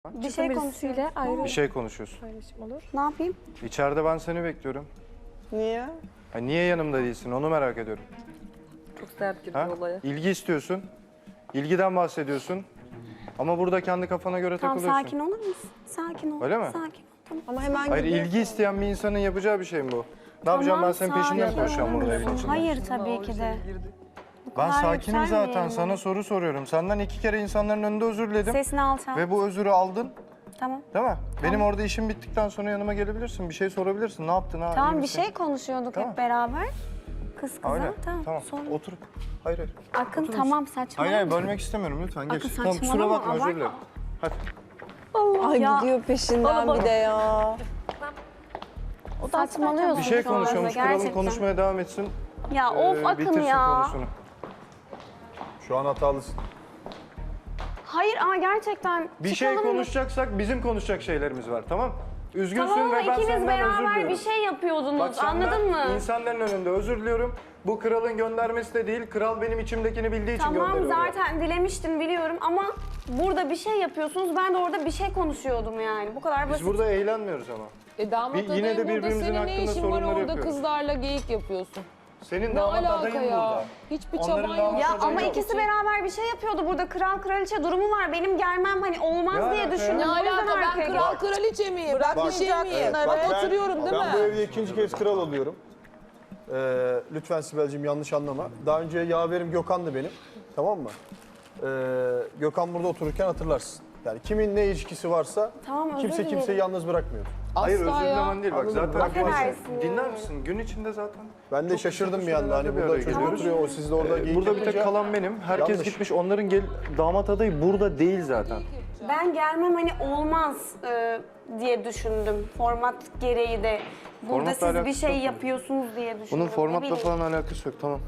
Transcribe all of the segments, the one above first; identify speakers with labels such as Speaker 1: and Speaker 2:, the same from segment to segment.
Speaker 1: Bir şey konuşuyor.
Speaker 2: ayrı
Speaker 3: Bir şey konuşuyorsun.
Speaker 2: paylaşım olur.
Speaker 1: Ne yapayım?
Speaker 3: İçeride ben seni bekliyorum.
Speaker 4: Niye?
Speaker 3: Ha, niye yanımda değilsin onu merak ediyorum.
Speaker 2: Çok sert girdi
Speaker 3: Ha?
Speaker 2: olaya.
Speaker 3: İlgi istiyorsun. İlgiden bahsediyorsun. Ama burada kendi kafana göre
Speaker 1: Tamam
Speaker 3: takılıyorsun.
Speaker 1: sakin olur musun? Sakin ol.
Speaker 3: Öyle mi?
Speaker 1: Sakin ol. Tamam.
Speaker 4: Ama hemen
Speaker 3: Hayır
Speaker 4: gidiyor.
Speaker 3: ilgi isteyen bir insanın yapacağı bir şey mi bu? Ne yapacağım ben senin peşinden
Speaker 1: sakin
Speaker 3: koşacağım
Speaker 1: olur
Speaker 3: burada
Speaker 1: musun?
Speaker 3: evin içinde?
Speaker 1: Hayır tabii ki de. Bu
Speaker 3: Ben
Speaker 1: kadar
Speaker 3: sakinim zaten
Speaker 1: yükselmeyelim.
Speaker 3: sana soru soruyorum. Senden 2 kere insanların önünde özür diledim.
Speaker 1: Sesini alçalt.
Speaker 3: Ve bu özürü aldın.
Speaker 1: Tamam.
Speaker 3: Değil mi? Benim orada işim bittikten sonra yanıma gelebilirsin. Bir şey sorabilirsin. Ne yaptın? Ha, iyi
Speaker 1: Tamam bir
Speaker 3: misin?
Speaker 1: şey konuşuyorduk
Speaker 3: Tamam.
Speaker 1: hep beraber. Kız
Speaker 3: Ha,
Speaker 1: kıza.
Speaker 3: öyle.
Speaker 1: Tamam.
Speaker 3: Tamam.
Speaker 1: Sonra.
Speaker 3: Otur. Hayır hayır.
Speaker 1: Akın
Speaker 3: Otur
Speaker 1: tamam
Speaker 3: musun?
Speaker 1: saçmalama.
Speaker 3: Hayır bölmek istemiyorum lütfen geç.
Speaker 1: Akın,
Speaker 3: Tamam kusura
Speaker 1: saçmalama,
Speaker 3: bakma özür
Speaker 1: abartma.
Speaker 3: dilerim. Hadi.
Speaker 4: Ay
Speaker 1: Ya.
Speaker 4: gidiyor peşinden bir de ya.
Speaker 1: Saçmalıyorsun
Speaker 3: Bir şey
Speaker 1: şu anda
Speaker 3: konuşuyormuş. Kralım
Speaker 1: gerçekten.
Speaker 3: konuşmaya devam etsin.
Speaker 1: Ya of Akın
Speaker 3: bitirsin
Speaker 1: ya.
Speaker 3: konusunu.
Speaker 5: Şu an hatalısın.
Speaker 1: Hayır ama gerçekten
Speaker 3: Bir şey
Speaker 1: çıkalım.
Speaker 3: konuşacaksak bizim konuşacak şeylerimiz var tamam? Üzgünsün
Speaker 1: Tamam ama
Speaker 3: ve ben
Speaker 1: ikiniz
Speaker 3: senden özür
Speaker 1: beraber
Speaker 3: diliyorum.
Speaker 1: bir şey yapıyordunuz
Speaker 3: Bak senden,
Speaker 1: anladın mı?
Speaker 3: insanların önünde özür diliyorum. Bu kralın göndermesi de değil. Kral benim içimdekini bildiği için
Speaker 1: Tamam
Speaker 3: gönderiyor.
Speaker 1: zaten dilemiştin biliyorum ama burada bir şey yapıyorsunuz. Ben de orada bir şey konuşuyordum yani. Bu kadar
Speaker 3: Biz
Speaker 1: basit.
Speaker 3: burada eğlenmiyoruz ama.
Speaker 6: Damat
Speaker 3: Yine
Speaker 6: adayı
Speaker 3: de
Speaker 6: burada
Speaker 3: birbirimizin
Speaker 6: senin ne
Speaker 3: hakkında
Speaker 6: işin var
Speaker 3: sorunları
Speaker 6: orada
Speaker 3: yapıyoruz.
Speaker 6: kızlarla geyik yapıyorsun?
Speaker 3: Senin
Speaker 6: Ne
Speaker 3: damat
Speaker 6: alaka
Speaker 3: adayın
Speaker 6: ya?
Speaker 3: burada.
Speaker 6: Hiçbir
Speaker 3: Onların
Speaker 6: çaban
Speaker 3: damat
Speaker 6: yok.
Speaker 1: Ya
Speaker 3: adayı
Speaker 1: ama
Speaker 3: yok.
Speaker 1: ikisi beraber bir şey yapıyordu burada. Kral kraliçe durumu var. Benim gelmem hani olmaz
Speaker 3: Ne
Speaker 1: diye
Speaker 3: alaka ya?
Speaker 1: düşündüm.
Speaker 6: Ne
Speaker 1: O yüzden
Speaker 6: alaka ben
Speaker 1: arkaya
Speaker 6: kral
Speaker 1: gittim.
Speaker 6: kraliçe miyim? Ben bir şey miyim?
Speaker 5: Bak
Speaker 6: Bak
Speaker 5: ben-
Speaker 6: oturuyorum değil
Speaker 5: Ben bu
Speaker 6: mi?
Speaker 5: evde ikinci kez kral oluyorum. Lütfen Sibel'cim yanlış anlama. Daha önce yaverim Gökhan'dı benim. Tamam mı? Gökhan burada otururken hatırlarsın. Yani kimin ne ilişkisi varsa
Speaker 1: Tamam, özür
Speaker 5: kimse
Speaker 1: dilerim.
Speaker 5: kimseyi yalnız bırakmıyor.
Speaker 3: Hayır
Speaker 6: Asla
Speaker 3: özür
Speaker 6: ya.
Speaker 3: dilemen değil bak
Speaker 5: Anladım,
Speaker 3: zaten.
Speaker 1: affedersin
Speaker 3: Dinler
Speaker 1: yani.
Speaker 3: misin? Gün içinde zaten.
Speaker 5: Ben de
Speaker 3: çok
Speaker 5: şaşırdım
Speaker 3: kısa
Speaker 5: bir anda. Hani
Speaker 3: sürelerde bir
Speaker 5: burada
Speaker 3: araya
Speaker 5: çocuk
Speaker 3: geliyoruz.
Speaker 5: oturuyor, o siz de orada geyik
Speaker 3: Burada bir tek
Speaker 5: yapınca-
Speaker 3: kalan benim. Herkes
Speaker 5: Yanlış.
Speaker 3: gitmiş. Onların damat adayı burada değil zaten.
Speaker 1: Ben gelmem hani olmaz diye düşündüm. Format gereği de. Burada
Speaker 3: Formatla
Speaker 1: siz bir
Speaker 3: alakası
Speaker 1: şey
Speaker 3: yok mu?
Speaker 1: yapıyorsunuz diye düşündüm.
Speaker 3: Bunun
Speaker 1: Ne
Speaker 3: formatla
Speaker 1: bileyim.
Speaker 3: falan alakası yok tamam.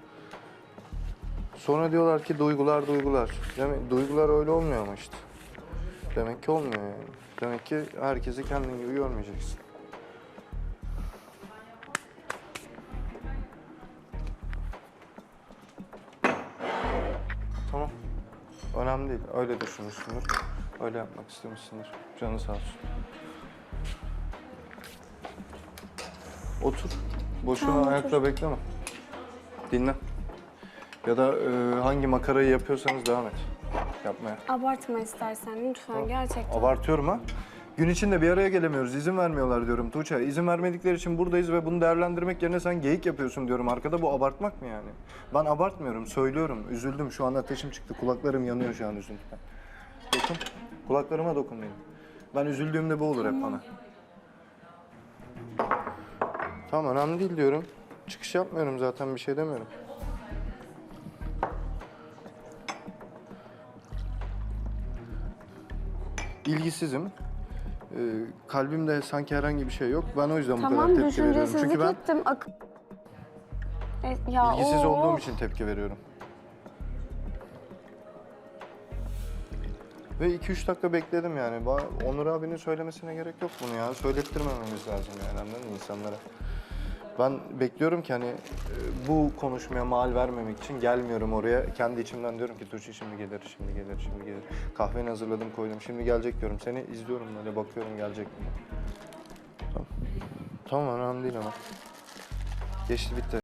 Speaker 3: Sonra diyorlar ki duygular. Demek duygular öyle olmuyor ama işte. Demek ki olmuyor yani. Demek ki herkesi kendin gibi görmeyeceksin. Tamam. Önemli değil. Öyle düşünmüşsündür. Öyle yapmak istemişsindir. Canı sağ olsun. Otur. Boşuna
Speaker 1: Tamam,
Speaker 3: ayakta bekleme. Dinle. Ya da hangi makarayı yapıyorsanız devam et. Yapmaya.
Speaker 1: Abartma istersen lütfen gerçekten.
Speaker 3: Abartıyorum ha. Gün içinde bir araya gelemiyoruz. İzin vermiyorlar diyorum Tuğçe. İzin vermedikleri için buradayız ve bunu değerlendirmek yerine sen geyik yapıyorsun diyorum arkada. Bu abartmak mı yani? Ben abartmıyorum. Söylüyorum. Üzüldüm. Şu an ateşim çıktı. Kulaklarım yanıyor şu an üzüntüden. Dokun. Kulaklarıma dokun benim. Ben üzüldüğümde bu olur hep bana. Tamam önemli değil diyorum. Çıkış yapmıyorum zaten bir şey demiyorum. İlgisizim. Kalbimde sanki herhangi bir şey yok. Ben o yüzden bu kadar
Speaker 1: Tamam
Speaker 3: tepki veriyorum.
Speaker 1: düşüncesizlik
Speaker 3: Çünkü ben
Speaker 1: ettim. Ya
Speaker 3: ilgisiz
Speaker 1: of.
Speaker 3: olduğum için tepki veriyorum. Ve 2-3 dakika bekledim yani. Onur abinin söylemesine gerek yok bunu ya. Söylettirmememiz lazım yani anladın mı insanlara? Ben bekliyorum ki hani bu konuşmaya mal vermemek için gelmiyorum oraya. Kendi içimden diyorum ki Tuğçe şimdi gelir. Kahveni hazırladım koydum. Şimdi gelecek diyorum. Seni izliyorum böyle bakıyorum gelecek mi? Tamam. Tamam önemli değil ama. Geçti bitti.